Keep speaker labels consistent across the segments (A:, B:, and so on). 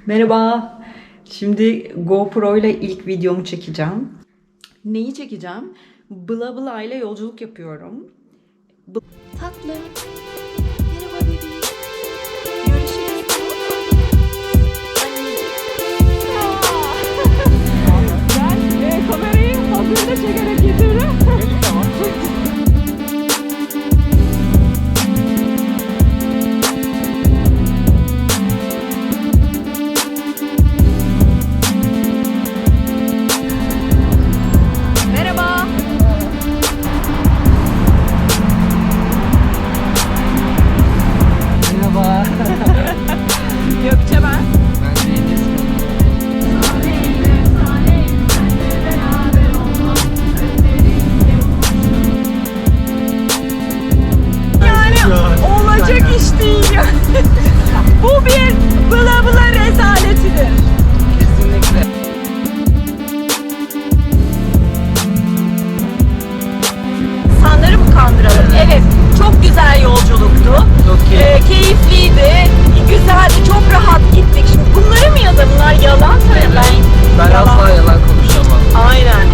A: Merhaba. Şimdi GoPro ile ilk videomu çekeceğim. Neyi çekeceğim? Bla bla ile yolculuk yapıyorum.
B: Tatlı. Merhaba bebeğim. Görüşürüz.
A: Ben kamerayı hazırda çekerek getiririm.
B: Merhaba.
C: Merhaba.
A: Gökçe ben.
C: Ben Deniz.
A: Yani olacak iş değil ya. Bu bir bla bla rezaletidir.
C: Kesinlikle.
A: İnsanları mı kandıralım? Evet, çok güzel yolculuktu.
C: Çok keyifli.
A: Keyifliydi, güzeldi, çok rahat gittik. Şimdi bunları mı yazar? Bunlar yalan söyle.
C: Ben asla yalan konuşamam.
A: Aynen.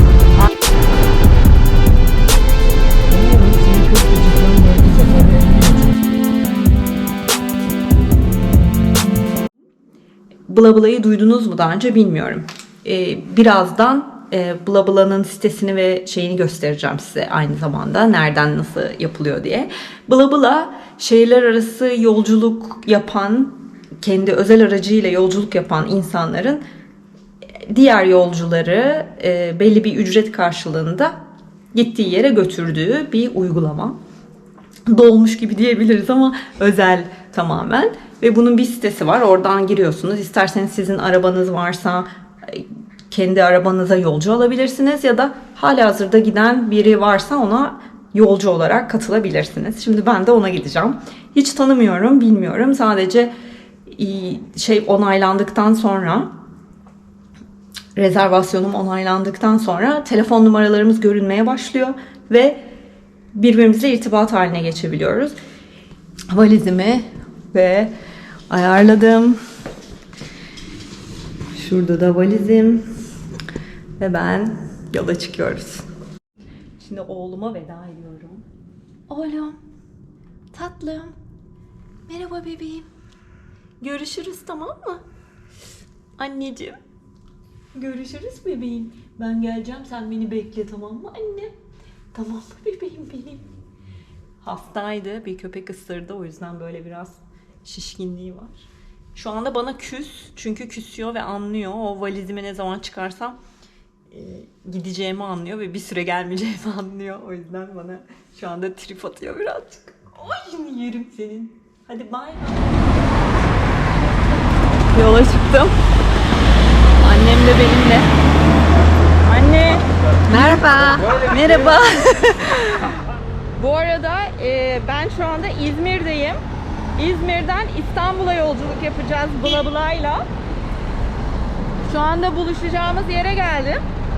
A: Bla Bla'yı duydunuz mu daha önce bilmiyorum. Birazdan Bla Bla'nın sitesini ve şeyini göstereceğim size aynı zamanda. Nereden nasıl yapılıyor diye. Bla Bla şehirler arası yolculuk yapan, kendi özel aracıyla yolculuk yapan insanların diğer yolcuları belli bir ücret karşılığında gittiği yere götürdüğü bir uygulama. Dolmuş gibi diyebiliriz ama özel tamamen. Ve bunun bir sitesi var. Oradan giriyorsunuz. İsterseniz sizin arabanız varsa kendi arabanıza yolcu alabilirsiniz ya da halihazırda giden biri varsa ona yolcu olarak katılabilirsiniz. Şimdi ben de ona gideceğim. Hiç tanımıyorum, bilmiyorum. Sadece onaylandıktan sonra, rezervasyonum onaylandıktan sonra telefon numaralarımız görünmeye başlıyor ve birbirimizle irtibat haline geçebiliyoruz. Valizimi ve ayarladım. Şurada da valizim ve ben yola çıkıyoruz. Şimdi oğluma veda ediyorum.
B: Oğlum. Tatlım. Merhaba bebeğim.
A: Görüşürüz, tamam mı? Anneciğim. Görüşürüz bebeğim. Ben geleceğim, sen beni bekle, tamam mı anne? Tamam mı bebeğim benim? Hastaydı, bir köpek ısırdı, o yüzden böyle biraz şişkinliği var. Şu anda bana küs, çünkü küsüyor ve anlıyor. O valizimi ne zaman çıkarsam gideceğimi anlıyor ve bir süre gelmeyeceğimi anlıyor. O yüzden bana şu anda trip atıyor birazcık. Ay şimdi yerim senin. Hadi bay bay. Yola çıktım. Annem de benimle. Anne.
B: Merhaba.
A: Merhaba. Bu arada ben şu anda İzmir'deyim. İzmir'den İstanbul'a yolculuk yapacağız Bla Bla'yla. Şu anda buluşacağımız yere geldim.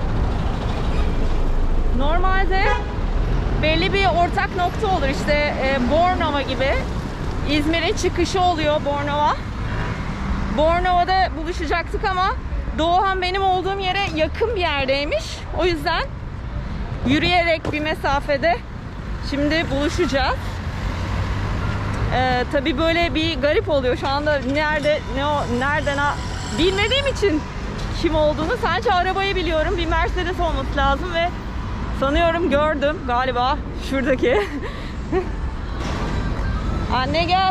A: Normalde belli bir ortak nokta olur. İşte Bornova gibi. İzmir'in çıkışı oluyor Bornova. Bornova'da buluşacaktık ama Doğan benim olduğum yere yakın bir yerdeymiş. O yüzden yürüyerek bir mesafede şimdi buluşacağız. Tabii böyle bir garip oluyor şu anda nereden bilmediğim için kim olduğunu. Sadece arabayı biliyorum. Bir Mercedes olması lazım ve sanıyorum gördüm galiba şuradaki. Anne gel.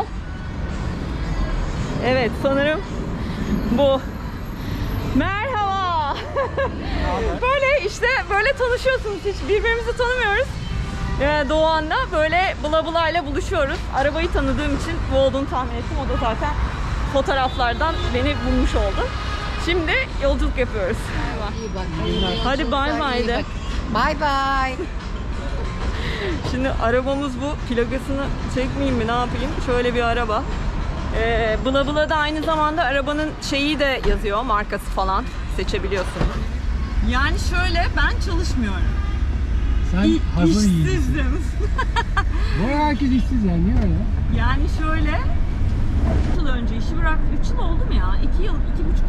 A: Evet sanırım bu. Merhaba. Böyle işte böyle tanışıyorsunuz, hiç birbirimizi tanımıyoruz. Doğan'la böyle Bla Bla ile buluşuyoruz. Arabayı tanıdığım için bu olduğunu tahmin ettim. O da zaten fotoğraflardan beni bulmuş oldu. Şimdi yolculuk yapıyoruz.
B: İyi bak.
A: Hadi bay bay de.
B: Bay bay.
A: Şimdi arabamız bu. Plakasını çekmeyeyim mi, ne yapayım? Şöyle bir araba. Bla Bla'da aynı zamanda arabanın şeyi de yazıyor. Markası falan seçebiliyorsunuz. Yani şöyle, ben çalışmıyorum.
C: Sen hazır yiyici.
A: İşsizim.
C: Bu herkes işsiz yani, niye öyle?
A: Yani şöyle 3 yıl önce işi bıraktım. 3 yıl oldu mu ya? 2 yıl, 2,5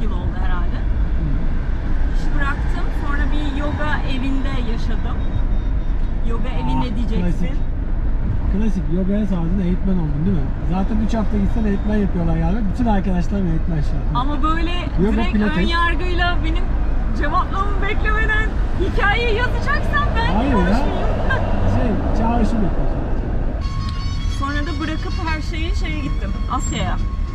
A: evinde yaşadım. Yoga evinde diyeceksin.
C: Klasik yogaya sardın, eğitmen oldun değil mi? Zaten 3 hafta gitsen eğitmen yapıyorlar yani. Bütün arkadaşlarım eğitmen şu an.
A: Ama böyle
C: Yoga,
A: direkt
C: pilates.
A: ön yargıyla benim cevaplamamı beklemeden hikayeyi yazacaksan ben
C: Hayır ya.
A: konuşmayayım.
C: Çağrışım yapıyorsun.
A: Sonra da bırakıp her şeyi şeye gittim. Asya'ya.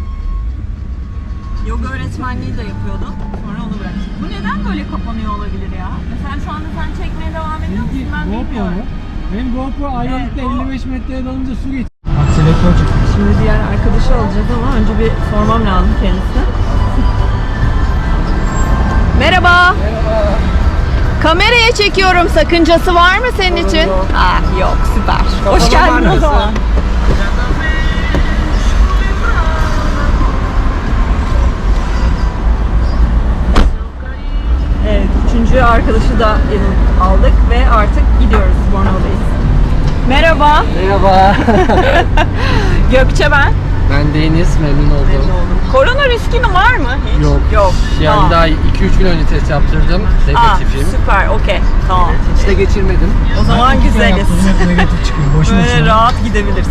A: Yoga öğretmenliği de yapıyordum. Sonra onu bıraktım. Bu neden böyle kapanıyor olabilir ya? Mesela şu anda sen çekmeye devam ediyor musun? Ben bilmiyorum.
C: Benim GoPro Ayvalık'ta
A: Evet,
C: 55 metreye dalınca su geçti. Bak selektör çıktı.
A: Şimdi diğer arkadaşı alacağız ama önce bir sormam lazım kendisine. Merhaba.
C: Merhaba.
A: Kameraya çekiyorum. Sakıncası var mı senin için?
C: yok.
A: Yok, süper. Hoş
C: Kapalı
A: geldin o
C: markası.
A: zaman. Evet, üçüncü arkadaşı da aldık ve artık gidiyoruz. Bornova'dayız. Merhaba.
C: Merhaba.
A: Gökçe ben.
C: Ben Deniz, memnun oldum.
A: Korona riskin var mı hiç?
C: Yok.
A: Yok.
C: Yani
A: Tamam.
C: daha 2-3 gün önce test yaptırdım. Negatifim.
A: Süper, okey. Tamam.
C: Hiç de geçirmedim.
A: O zaman güzeliz.
C: Negatif çıkıyor.
A: Böyle rahat gidebiliriz.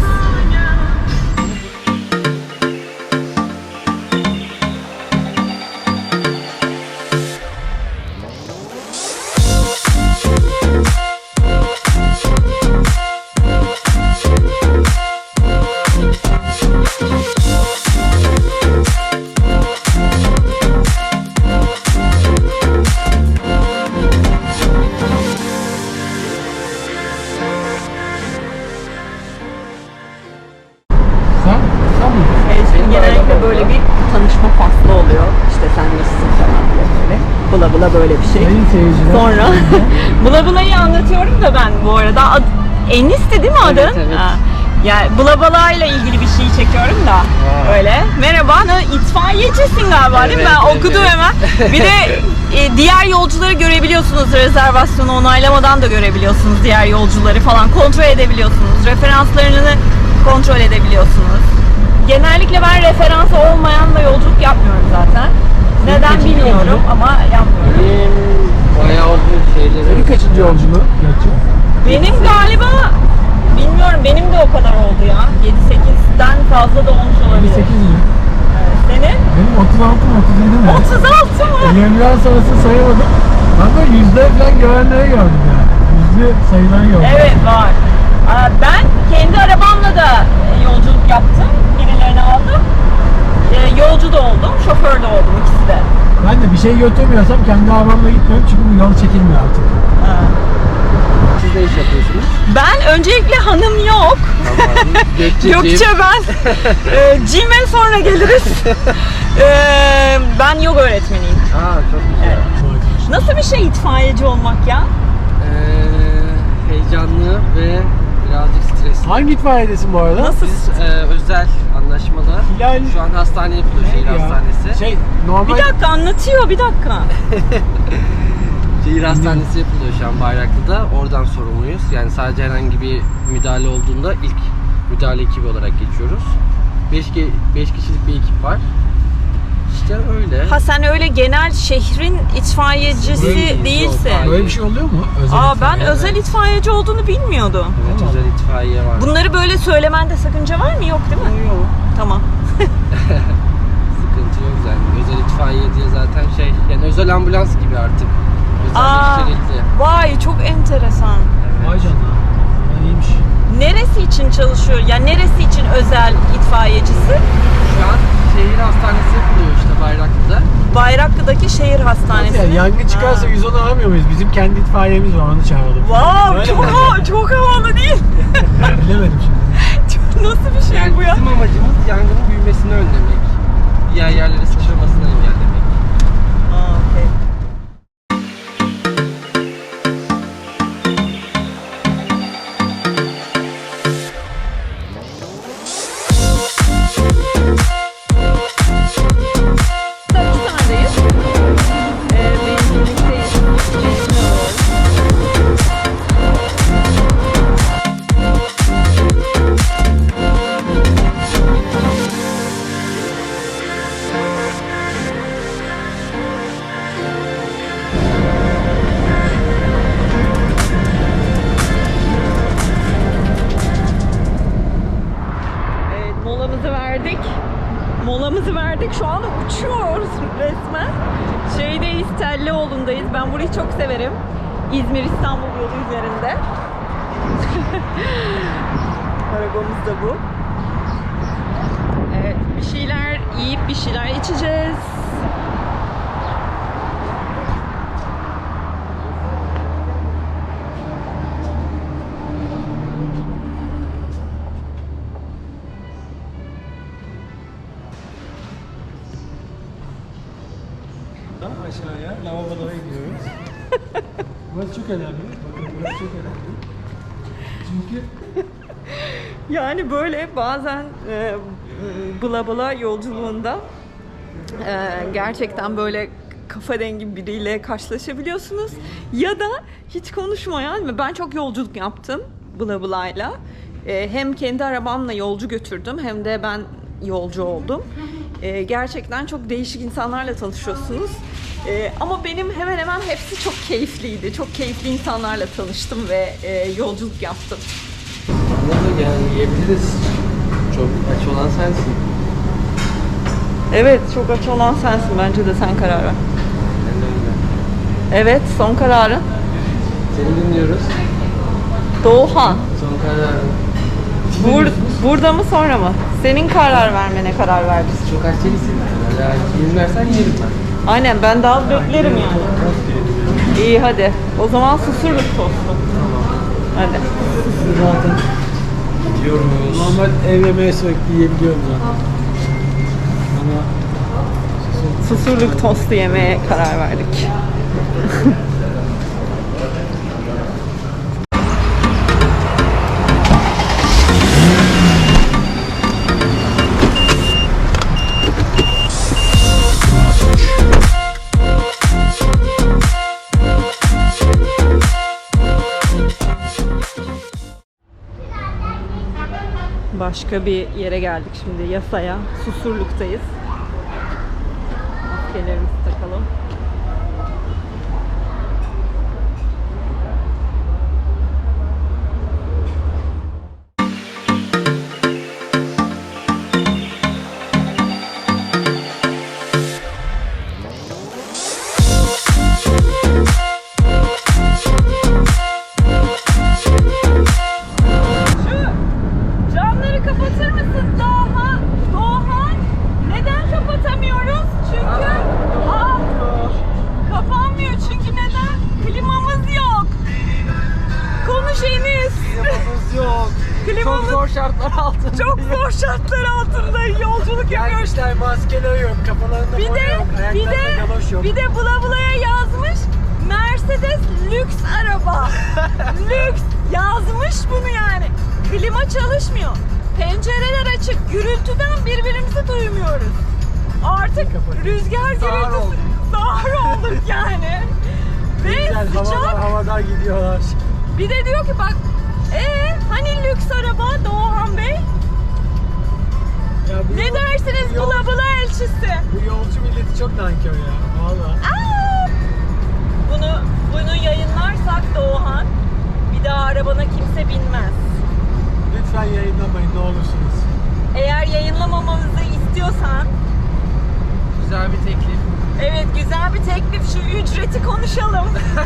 C: Sen mi?
A: Şimdi genellikle böyle bir tanışma faslı oluyor. İşte sen nasılsın falan diye böyle. Bula bula böyle bir şey.
C: Sayın seyirciler.
A: Sonra Bula Bula'yı anlatıyorum da ben bu arada. Enis'ti değil mi adın?
C: Evet, evet.
A: Ha. Yani Bula Bula ile ilgili bir şey çekiyorum da. Öyle. Merhaba, itfaiyecisin galiba değil mi?
C: Evet,
A: Ben
C: evet,
A: okudum
C: evet.
A: hemen. Bir de diğer yolcuları görebiliyorsunuz. Rezervasyonu onaylamadan da görebiliyorsunuz diğer yolcuları falan. Kontrol edebiliyorsunuz. Referanslarını kontrol edebiliyorsunuz. Genellikle ben referansı olmayanla yolculuk yapmıyorum zaten. Neden
C: kaçıncı
A: bilmiyorum
C: yolculuk?
A: ama yapmıyorum.
C: Bayağı oldu şeyleri. Senin kaçıncı yolculuğu?
A: Benim galiba bilmiyorum, benim de o kadar oldu ya. 7-8'den fazla da olmuş olabilir.
C: 8 mi?
A: Evet. Senin?
C: Benim 36 mı 37 mi?
A: 36 mı?
C: Yemlen sonrası sayamadım. Ben de yüzde falan görenleri gördüm yani. Yüzde sayıları gördüm.
A: Evet, var. Ben kendi arabamla da yolculuk yaptım. Birilerini aldım. Yolcu da oldum, şoför de oldum, ikisi de.
C: Ben de bir şey götürmüyorsam kendi arabamla gitmiyorum çünkü bu yol çekilmiyor artık. Siz ne iş yapıyorsunuz?
A: Ben öncelikle hanım yok.
C: Tamam.
A: Gökçe ben. Cim'e sonra geliriz. Ben yoga öğretmeniyim.
C: Aa çok güzel.
A: Nasıl bir şey itfaiyeci olmak ya?
D: Heyecanlı ve birazcık stresli.
C: Hangi itfaiyedesin bu arada?
A: Nasıl?
D: Biz özel anlaşmalı.
C: Hilal.
D: Şu an hastane yapılıyor, şehir
C: Ya,
D: hastanesi.
C: Şey normal.
A: Bir dakika anlatıyor, bir dakika.
D: Şehir hastanesi yapılıyor şu an Bayraklı'da. Oradan sorumluyuz. Yani sadece herhangi bir müdahale olduğunda ilk müdahale ekibi olarak geçiyoruz. 5 kişilik bir ekip var. İşte öyle.
A: Ha sen öyle genel şehrin itfaiyecisi
D: Değil,
A: değilsin.
D: yok, hayır.
C: Böyle bir şey oluyor mu? Özel
A: Ben
C: itfaiye.
A: özel itfaiyeci olduğunu bilmiyordum.
D: Evet, özel itfaiye var.
A: Bunları böyle söylemende sakınca var mı? Yok değil mi?
D: Yok.
A: Tamam.
D: Sıkıntı yok yani. Özel itfaiye diye zaten yani özel ambulans gibi artık. Özelleştirildi.
A: Vay çok enteresan.
C: Vay canına. Ya iyiymiş.
A: Neresi için çalışıyor? Yani neresi için özel itfaiyecisi?
D: Şu an şehir hastanesi yapılıyor işte Bayraklı'da.
A: Bayraklı'daki şehir hastanesi.
C: Yani yangın çıkarsa 110'u aramıyor muyuz? Bizim kendi itfaiyemiz var, onu çağıralım.
A: Wow,
C: Öyle
A: çok
C: mi?
A: çok havalı değil.
C: Bilemedim şimdi.
A: Nasıl bir şey
D: Yani
A: bu ya?
D: bizim amacımız yangının büyümesini önlemek. Diğer yerlere sıçramasını engellemek.
A: Okey. Hastanedeyiz. Benzinlikteyiz. Benzin alıyoruz. uçuyoruz resmen. Şeydeyiz, Telleoğlu'ndayız. Ben burayı çok severim. İzmir-İstanbul yolu üzerinde. Arabamız da bu. Evet, bir şeyler yiyip bir şeyler içeceğiz.
C: Tam aşağıya lavabolara gidiyoruz. Burası çok önemli. Bakın burası çok önemli. Çünkü
A: Yani böyle bazen bula bula yolculuğunda gerçekten böyle kafa dengi biriyle karşılaşabiliyorsunuz. Ya da hiç konuşmayan ve ben çok yolculuk yaptım bula bula'yla. Hem kendi arabamla yolcu götürdüm hem de ben yolcu oldum. Gerçekten çok değişik insanlarla tanışıyorsunuz. Ama benim hemen hemen hepsi çok keyifliydi. Çok keyifli insanlarla tanıştım ve yolculuk yaptım.
D: Anladım, yani yiyebiliriz. Çok aç olan sensin.
A: Evet, çok aç olan sensin. Bence de sen karar ver.
D: Ben de öyle.
A: Evet, son kararın.
D: Seni dinliyoruz.
A: Doğuhan.
D: Son kararın.
A: Burada mı sonra mı? Senin karar vermene karar verdik.
D: Çok aç değilsin. Yani izin versen yerim ben.
A: Aynen, ben daha beklerim yani. İyi hadi. O zaman susurluk tostu. Hadi.
C: zaten
D: Gidiyoruz.
C: normal ev yemeği sürekli yiyebiliyorum zaten. Ama
A: Susurluk tostu yemeye karar verdik. Başka bir yere geldik şimdi, Yasa'ya. Susurluk'tayız. Maskelerimizi takalım. Camları kapatır mısın Doğan? Doğan, neden kapatamıyoruz? Çünkü kapanmıyor çünkü neden? Klimamız yok. Konuş Enis.
D: Klimamız yok.
A: Klimamız
D: Çok zor şartlar altında.
A: çok zor şartlar altında yolculuk yapıyoruz.
C: gelmişler maskeleri yok, kafalarında
A: Bir
C: boya
A: de
C: yok,
A: bir
C: ayaklarında
A: de
C: galoş yok.
A: bir de bula bulaya yazmış Mercedes lüks araba. Lüks yazmış bunu yani. Klima çalışmıyor. Pencereler açık. Gürültüden birbirimizi duymuyoruz. Artık rüzgar
D: Sağır
A: gürültüsü
D: olduk.
A: sağır olduk yani. Ve
C: Güzel,
A: sıcak.
C: havada gidiyorlar.
A: Bir de diyor ki bak hani lüks araba Doğan Bey?
C: Ya bu
A: Ne dersiniz
C: yol-
A: bula bula elçisi?
C: Bu yolcu milleti çok nankör ya. Valla.
A: Bunu yayınlarsak Doğan bir daha arabana kimse binmez.
C: Lütfen yayınlamayın ne olursunuz.
A: Eğer yayınlamamamızı istiyorsan
D: Güzel bir teklif.
A: evet güzel bir teklif, şu ücreti konuşalım.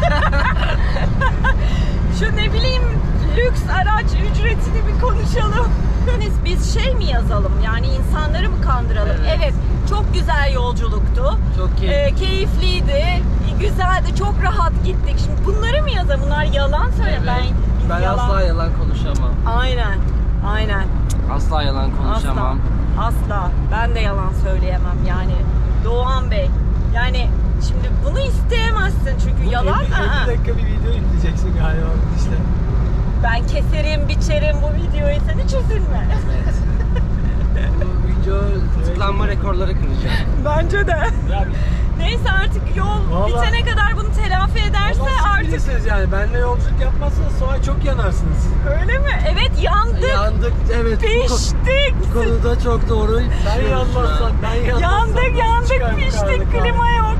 A: Şu ne bileyim lüks araç ücretini bir konuşalım. Biz şey mi yazalım yani insanları mı kandıralım?
D: Evet.
A: Evet, çok güzel yolculuktu.
D: Çok keyifli.
A: Keyifliydi, güzeldi, çok rahat gittik. Şimdi bunları mı yazalım? Bunlar yalan söyle.
D: Evet. Ben asla yalan konuşamam.
A: Aynen, aynen.
D: Asla yalan konuşamam.
A: Asla. Ben de yalan söyleyemem yani. Doğan Bey. Yani şimdi bunu isteyemezsin çünkü yalan.
C: 50 dakika bir video yükleyeceksin galiba işte.
A: Ben keserim, biçerim bu videoyu, sen hiç üzülme.
D: Evet. Bu video tıklanma rekorları kıracak.
A: Bence de.
C: Ya,
A: Neyse artık yol
C: Vallahi-
A: bitene kadar bunu telafi ederse
C: Allah siz
A: artık.
C: bilirsiniz yani. Benimle yolculuk yapmazsanız sonra çok yanarsınız.
A: Öyle mi? Evet, yandık.
D: Yandık, evet.
A: Piştik.
D: Bu konuda çok doğru.
C: Sen yanmazsan, ben yanmazsam
A: Yandık,
C: nasıl çıkar
A: yandık,
C: bu
A: piştik.
C: karanlık
A: Klima yok.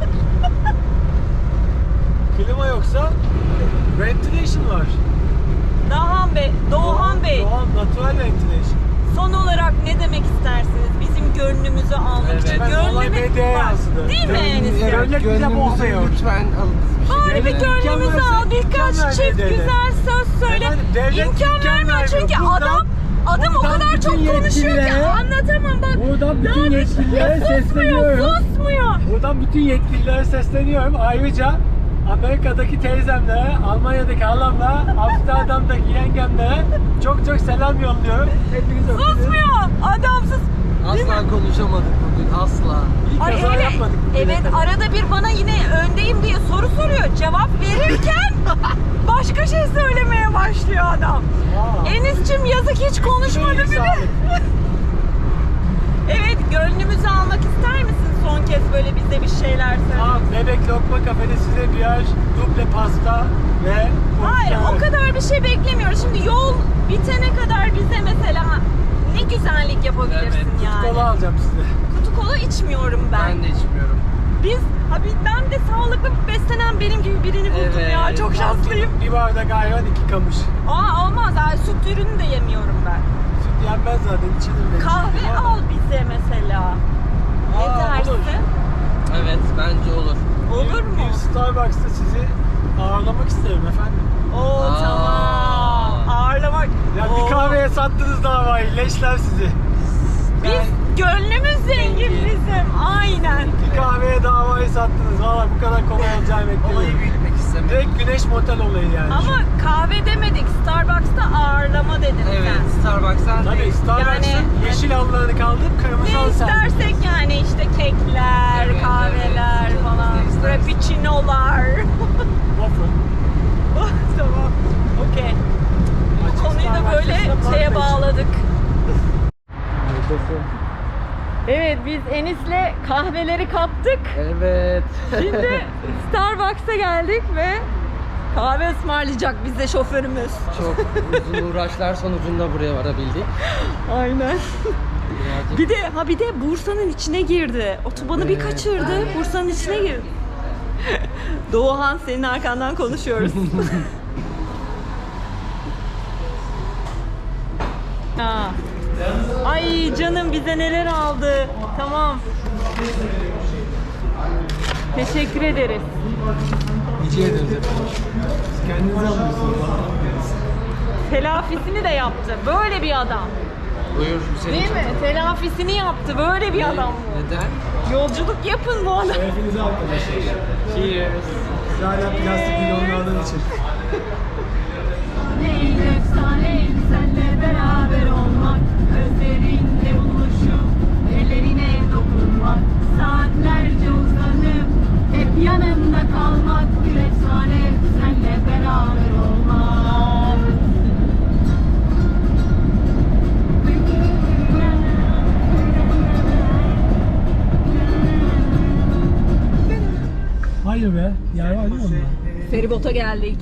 C: hali? Klima yoksa ventilation var.
A: Doğan Bey, Doğan Bey.
C: Doğan natural ventilation.
A: Son olarak ne demek istersiniz? Bizim gönlümüzü almak için.
C: Ben olay medyaya
A: Bak,
C: yansıdı.
A: değil mi Enis?
C: Evet, Devlet bize borsa yok.
D: Lütfen alın.
A: Bari bir gönlümüzü al, birkaç çift güzel söz söyle.
C: Efendim, devlet
A: İmkan
C: imkan
A: vermiyor
C: vermiyor.
A: çünkü
C: Buradan-
A: adam o
C: buradan
A: kadar
C: bütün
A: çok konuşuyor ki
C: yetkililere-
A: anlatamam bak.
C: Buradan bütün yetkililere sesleniyorum.
A: Susmuyor.
C: Buradan bütün yetkililere sesleniyorum. Ayrıca Amerika'daki teyzemlere, Almanya'daki halamla, Amsterdam'daki yengemlere çok çok selam yolluyorum. Hepiniz öpüyorum.
A: Susmuyor. Adamsız.
D: Asla konuşamadık bugün, asla.
C: İyi
A: Ay
C: kaza
A: hele,
C: yapmadık. bugüne
A: evet
C: kadar.
A: arada bir bana yine öndeyim diye soru soruyor. Cevap verirken başka şey söylemeye başlıyor adam.
C: Aa.
A: Enis'cim yazık hiç konuşmadı
C: İyi,
A: bile.
C: sağlık.
A: Evet gönlümüzü almak ister misin son kez böyle bize bir şeyler söyle?
C: Bebek Lokma Kafede size birer duble pasta ve
A: Hayır o
C: porsiyon.
A: kadar bir şey beklemiyoruz. Şimdi yol bitene kadar bize mesela ne güzellik yapabilirsin
D: Evet,
A: yani.
C: Kola alacağım size.
A: Kutu kola içmiyorum ben.
D: Ben de içmiyorum.
A: Biz ben de sağlıklı beslenen benim gibi birini buldum
D: Evet.
A: ya. Çok şanslıyım.
C: Bir bardak ayran, 2 kamış.
A: Olmaz. Süt ürünü de yemiyorum ben.
C: Süt yenmez zaten, içilir benim.
A: Kahve al bize mesela. Ne
C: Aa,
A: dersin?
C: olur.
D: Evet, bence olur.
A: Olur mu?
C: Bir Starbucks'ta sizi ağırlamak isterim efendim.
A: Oo
D: Aa.
A: tamam. Ağırlamak.
C: Ya
A: Oo.
C: bir kahveye sattınız davayı, leşler sizi.
A: Biz gönlümüz zengin bizim. Aynen.
C: Bir kahveye davayı sattınız. Valla bu kadar kolay olacağını
D: Olayı
C: beklemedim.
D: büyütmek istemedim.
C: Direkt güneş motel olayı yani.
A: Ama kahve demedik. Starbucks'ta ağırlama dedin
D: Evet,
A: sen.
D: Starbucks'tan
C: Tabii
D: değil.
C: Starbucks'ın
A: Yani-
C: yeşil halılarını kaldırıp kırmızı
A: Ne
C: halı serdim.
A: istersek yani işte kekler,
D: Evet,
A: kahveler
D: evet.
A: falan,
D: Ne istersen.
A: frappuccinolar.
C: Waffle.
A: Tamam. Okey. Bu konuyu da böyle şeye bağladık. Evet biz Enis'le kahveleri kaptık.
D: Evet.
A: Şimdi Starbucks'a geldik ve kahve ısmarlayacak bize şoförümüz.
D: Çok uzun uğraşlar sonucunda buraya varabildik.
A: Aynen.
D: Birazcık
A: Bir de Bursa'nın içine girdi. Otobanı bir kaçırdı. Bursa'nın içine girdi. Doğuhan senin arkandan konuşuyoruz. Ha. Ay canım bize neler aldı. Tamam. Teşekkür ederiz.
C: Rica ederiz efendim. Siz kendinize alıyorsunuz.
A: Telafisini de yaptı. Böyle bir adam.
D: buyur Hüseyin.
A: Değil mi? Telafisini yaptı. Böyle bir adam bu.
D: Neden?
A: Yolculuk yapın bu adam.
C: Şerefinize arkadaşlar.
D: Cheers.
C: Siz hala plastik bidonlardan için.
E: Neyin efsaneydi senle beraber olmak, gözlerinle buluşup ellerine dokunmak, saatlerce uzanıp hep yanında kalmak, bir efsane senle beraber olmak.
C: Hayır be. Yer var değil mi onda?
A: Feribota geldik.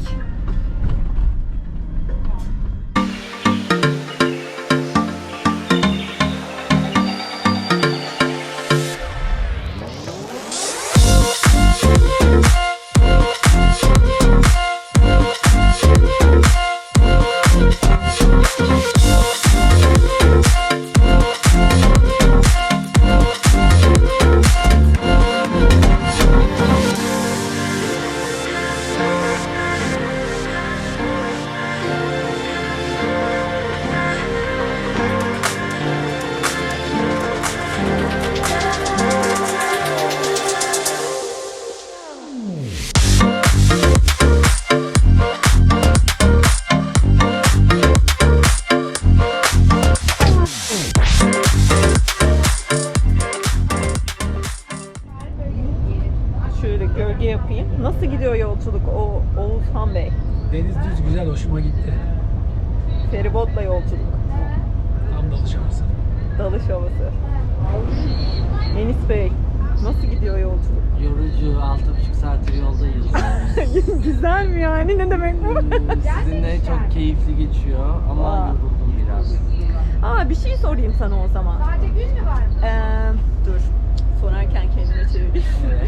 A: Şöyle gölge yapayım. Nasıl gidiyor yolculuk Oğuzhan Bey?
C: Deniz düz güzel, hoşuma gitti.
A: Feribotla yolculuk.
C: Tam dalış havası.
A: Dalış havası. Enis Bey, nasıl gidiyor yolculuk?
D: Yorucu, 6,5 saattir yoldayız.
A: Güzel mi yani? Ne demek bu?
D: Sizinle çok keyifli geçiyor ama
A: Aa.
D: yoruldum biraz.
A: Bir şey sorayım sana o zaman.
E: Sadece gün mü var?
A: Dur. Sorarken kendime çevireyim.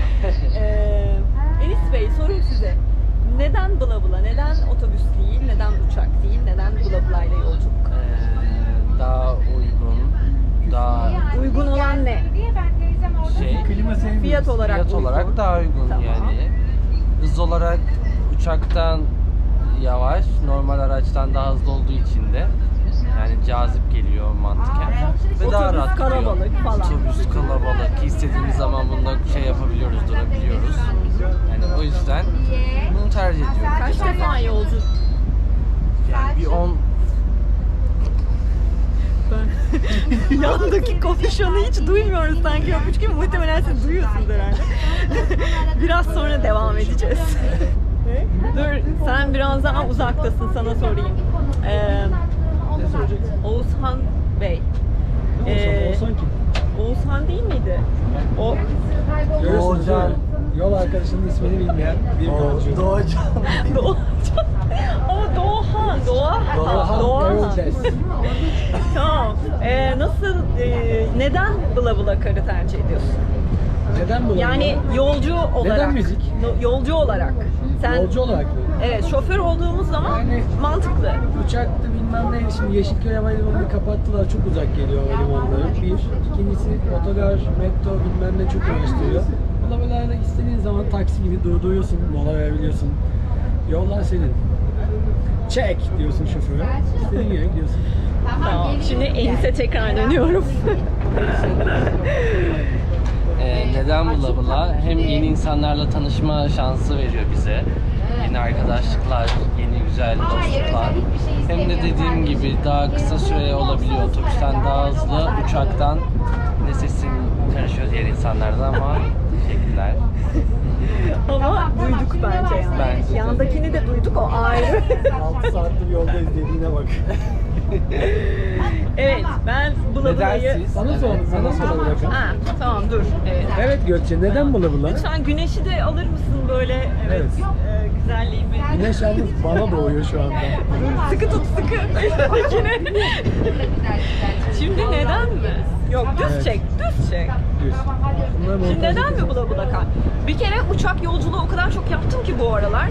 A: Enis Bey, sorum size. Neden bula bula? Neden otobüs değil? Neden uçak değil? Neden bula bula ile yolculuk?
D: Daha uygun
C: sevmiyoruz.
A: Fiyat olarak
D: Fiyat
A: uygun.
D: olarak daha uygun
A: Tamam.
D: yani. Hız olarak uçaktan yavaş, normal araçtan daha hızlı olduğu için de yani cazip geliyor mantıken. Ve daha
A: Otobüs
D: rahat gidiyor.
A: kalabalık falan.
D: Otobüs kalabalık. İstediğimiz zaman bunda şey yapabiliyoruz, durabiliyoruz. Yani o yüzden bunu tercih ediyorum.
A: Kaç defa yolcu?
D: Yani bir 10
A: Yandaki konuşanı hiç duymuyoruz sanki yokmuş gibi. Muhtemelen siz duyuyorsunuz herhalde. Biraz sonra devam edeceğiz. Dur, sen biraz daha uzaktasın, sana sorayım.
C: Ne soracaksın?
A: Oğuzhan Bey.
C: Olsan kim?
A: Oğuzhan değil miydi? O
C: Görüyorsunuz değil mi? Yol arkadaşının ismini bilmeyen bir yolcu.
D: Doğacan.
A: Doğacan. Ama Doğahan.
C: Göreceğiz.
A: Tamam. Nasıl, neden Bula Bula Kar'ı tercih ediyorsun?
C: Neden bu?
A: Yani yolcu olarak.
C: Neden müzik?
A: Yolcu olarak. Sen,
C: Yolcu olarak mı?
A: evet, şoför olduğumuz zaman
C: Yani-
A: mantıklı.
C: Uçaktı bilmem neydi. Şimdi Yeşilköy Havalimanı'nı kapattılar. Çok uzak geliyor havalimanları. Bir. İkincisi otogar, metro bilmem ne çok uğraştırıyor. Bulabalarla istediğin zaman taksi gibi durduruyorsun, mola verebiliyorsun. Yollar senin. Çek diyorsun şoföre. İstediğin yere gidiyorsun.
A: Tamam. Şimdi Enis'e tekrar dönüyorum.
D: Neden Bula Bula? Hem yeni insanlarla tanışma şansı veriyor bize. Yeni arkadaşlıklar, yeni güzel dostluklar. Hem de dediğim gibi daha kısa süre olabiliyor. Otobüsten daha hızlı, uçaktan ne sesim karışıyor diğer insanlardan ama teşekkürler.
A: Ama duyduk bence yani.
D: Bence de.
A: Yandakini de duyduk, o ayrı.
C: 6 saattir yoldayız dediğine bak.
A: Evet, ben Bula Bula'yı...
D: Neden siz?
C: Sana sor, sana soralım bakalım.
A: Ha, tamam dur. Evet.
C: Evet Gökçe, neden Bula Bula?
A: Lütfen güneşi de alır mısın böyle? Evet.
C: Evet.
A: Güzelliğimi.
C: Güneş yalnız bana doğuyor şu anda.
A: Sıkı tut, sıkı. Üsttekini. Şimdi neden mi? Yok, düz
C: Evet.
A: çek, düz çek.
C: Düz. Bunlar
A: Şimdi
C: montaj
A: neden mi
C: yapacağız.
A: Bula Bula Kar? Bir kere uçak yolculuğu o kadar çok yaptım ki bu aralar.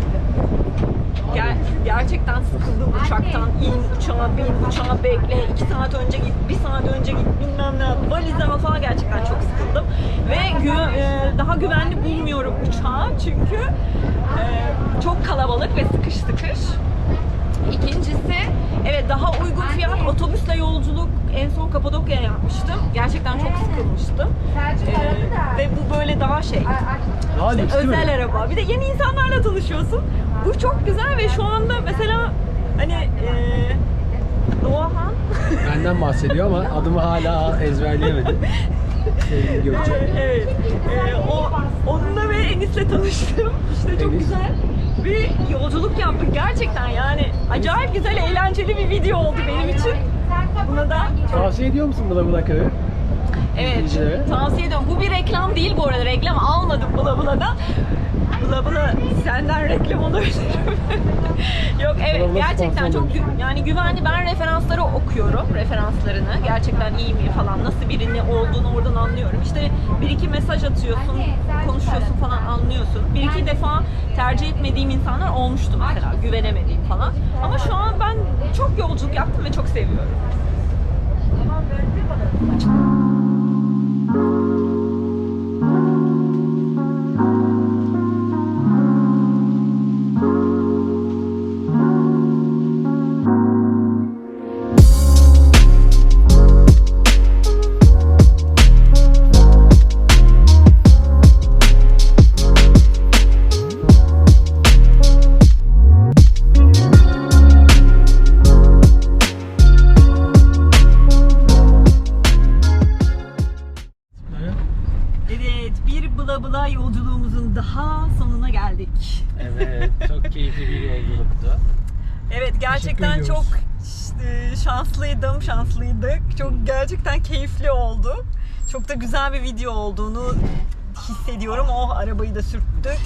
A: Gerçekten sıkıldım uçaktan. İn uçağa, bin uçağa, bekle. 2 saat önce git, 1 saat önce git, bilmem ne. Valizleme falan gerçekten çok sıkıldım. Ve daha güvenli bulmuyorum uçağı. Çünkü çok kalabalık ve sıkış sıkış. İkincisi, evet daha uygun fiyat otobüsle yolculuk, en son Kapadokya'ya yapmıştım. Gerçekten çok sıkılmıştım. Ve bu böyle daha şey,
C: Daha
A: işte
C: lüks değil mi?
A: özel araba. Bir de yeni insanlarla tanışıyorsun. Bu çok güzel ve şu anda mesela hani Doğahan
C: Benden bahsediyor ama adımı hala ezberleyemedi. Sevgili Gökçe.
A: evet, onunla ve Enis'le tanıştım. İşte çok
C: Enis.
A: güzel bir yolculuk yaptık gerçekten yani. Acayip güzel, eğlenceli bir video oldu benim için. Buna da çok
C: Tavsiye ediyor musun Bula Bula Kar'ı?
A: evet,
C: İzleyicilere.
A: tavsiye ediyorum. Bu bir reklam değil bu arada. Reklam almadım Bula Bula'dan. Bula Bula senden reklam alabilirim. Yok evet,
C: Bula Bula
A: gerçekten
C: sponsor
A: çok yani güvenli. Ben referansları okuyorum. Referanslarını. Gerçekten iyi mi falan. Nasıl birini olduğunu oradan anlıyorum. İşte bir iki mesaj atıyorsun, konuşuyorsun falan, anlıyorsun. Bir iki defa tercih etmediğim insanlar olmuştu mesela. Güvenemediğim falan. Ama şu an ben çok yolculuk yaptım ve çok seviyorum. Evet, bir Bula Bula yolculuğumuzun daha sonuna geldik.
D: Evet, çok keyifli bir yolculuktu.
A: Evet, gerçekten
C: ediyoruz.
A: çok şanslıydık. Çok gerçekten keyifli oldu. Çok da güzel bir video olduğunu hissediyorum. Oh, arabayı da sürttük.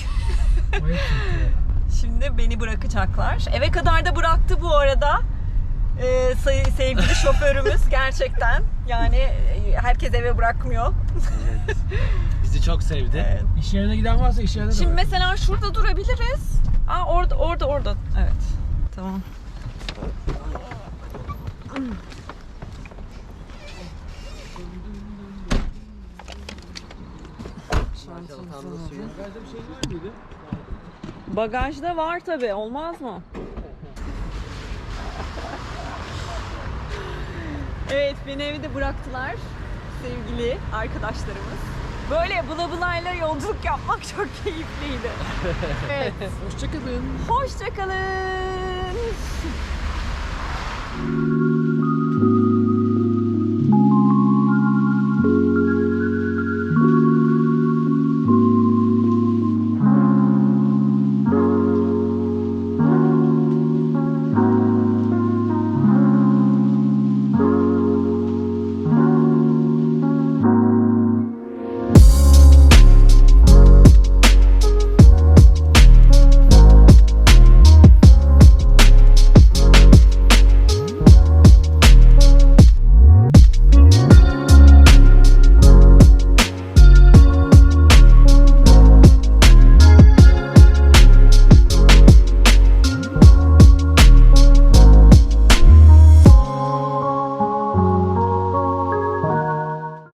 A: Şimdi beni bırakacaklar. Eve kadar da bıraktı bu arada. Sevgili şoförümüz gerçekten. Yani herkes eve bırakmıyor.
D: Evet. Bizi çok sevdi.
A: Evet.
C: İş yerine giden varsa iş yerine de
A: Şimdi
C: bırak.
A: mesela şurada durabiliriz. Aa, orada. Evet. Tamam.
D: Çantamda suyun.
C: Bagajda bir şey var mıydı?
A: Bagajda var tabi, olmaz mı? Evet, beni evde bıraktılar sevgili arkadaşlarımız. Böyle bula bulayla yolculuk yapmak çok keyifliydi. Evet,
C: Hoşçakalın.
A: hoşçakalın.